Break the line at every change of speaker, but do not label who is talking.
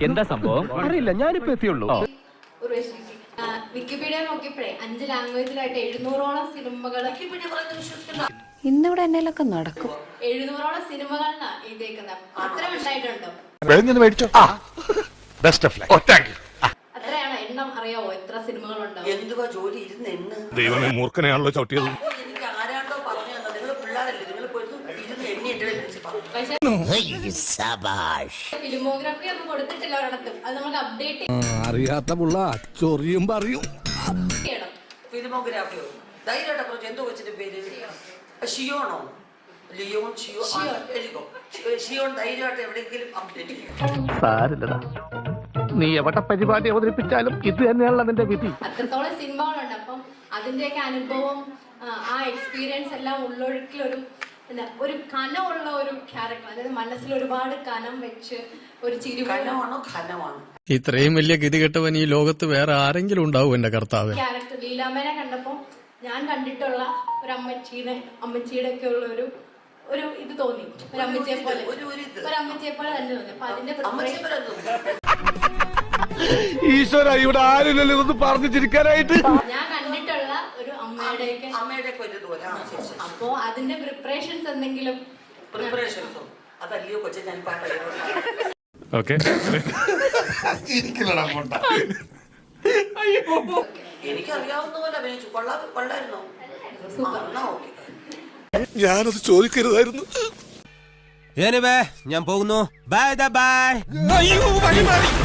എന്താ സംഭവം അറിയില്ല, ഞാനിപ്പോ എത്തിയുള്ളൂ.
വിക്കിപീഡിയ നോക്കിയപ്പോഴേ 5 ലാംഗ്വേജിലായിട്ട് 700ഓളം സിനിമകൾ
ഇന്നിവിടെ എന്നേലൊക്കെ നടക്കും.
700ഓളം സിനിമകളാണ് എഴുതിയേക്കുന്നത്. അത്ര ഉണ്ടായിട്ടുണ്ടോ? അത്രയാണ് എണ്ണം അറിയാവോ? എത്ര സിനിമകളുണ്ടോ?
എന്തുവാ ജോലി ഇരുന്ന് എണ്ണ്.
ദൈവമേ, മൂർഖനെയാണല്ലോ ചവിട്ടിയത്.
എനിക്ക് ആരാണ്ടോ പറഞ്ഞു തന്നെ, നിങ്ങൾ പിള്ളേരല്ലേ, നിങ്ങൾ പോയിരുന്നു ഇരുന്ന് എണ്ണി എന്റെ
ഫിലിമോഗ്രാഫി ഒന്നും കൊടുത്തിട്ടില്ല ഒരിടത്തും. അത് നമുക്ക് അപ്ഡേറ്റ്
അറിയാത്ത പുള്ള ചൊറിയും പറയും.
ചെയ്യണം.
ഫിലിമോഗ്രാഫിയോ ധൈര്യമായിട്ട് പറഞ്ഞു. എന്തോ വെച്ചിട്ട് പേര് ഷിയോണോ? ലിയോൺ ഷിയോ ഷിയോൺ ധൈര്യമായിട്ട് എവിടെയെങ്കിലും അപ്ഡേറ്റ് ചെയ്യും.
സാരില്ലടാ, നീ എവിടെ പരിപാടി അവതരിപ്പിച്ചാലും ഇത് തന്നെയാണല്ലോ നിന്റെ വിധി.
അത്രത്തോളം സിനിമകളുണ്ട്. അപ്പം അതിന്റെയൊക്കെ അനുഭവം, ആ എക്സ്പീരിയൻസ് എല്ലാം ഉള്ളൊഴുക്കിലൊരു ഒരു കനമുള്ള ഒരു ക്യാരക്ടർ, അതായത് മനസ്സിൽ ഒരുപാട് കനം വെച്ച് ഒരു ചിരി.
കനമാണോ ഖനമാണോ?
ഇത്രയും വലിയ ഗതികെട്ടവൻ ഈ ലോകത്ത് വേറെ ആരെങ്കിലും ഉണ്ടാവും എന്റെ കർത്താവ്.
ക്യാരക്ടർ ലീലാമ്മേനെ കണ്ടപ്പോ ഞാൻ കണ്ടിട്ടുള്ള ഒരു അമ്മച്ചിയുടെ ഒക്കെ ഉള്ള ഒരു ഇത് തോന്നി. ഒരു അമ്മച്ചിയെ പോലെ തന്നെ തോന്നി. അപ്പൊ അതിന്റെ
ഈശ്വര, ഇവിടെ ആരില്ലല്ലോ ഇതൊന്ന് പറഞ്ഞു ചിരിക്കാനായിട്ട്.
ഞാൻ കണ്ടിട്ടുള്ള ഒരു അമ്മയുടെ അപ്പോ അതിന്റെ പ്രിപ്പറേഷൻസ് എന്തെങ്കിലും
അതല്ലയോ കൊച്ചെ ഞാൻ
ഓക്കെ,
എനിക്കറിയാവുന്ന പോലെ അഭിനയിച്ചു. കൊള്ളായിരുന്നോ?
ഞാനത് ചോദിക്കരുതായിരുന്നു.
ഞാൻ പോകുന്നു. Bye by.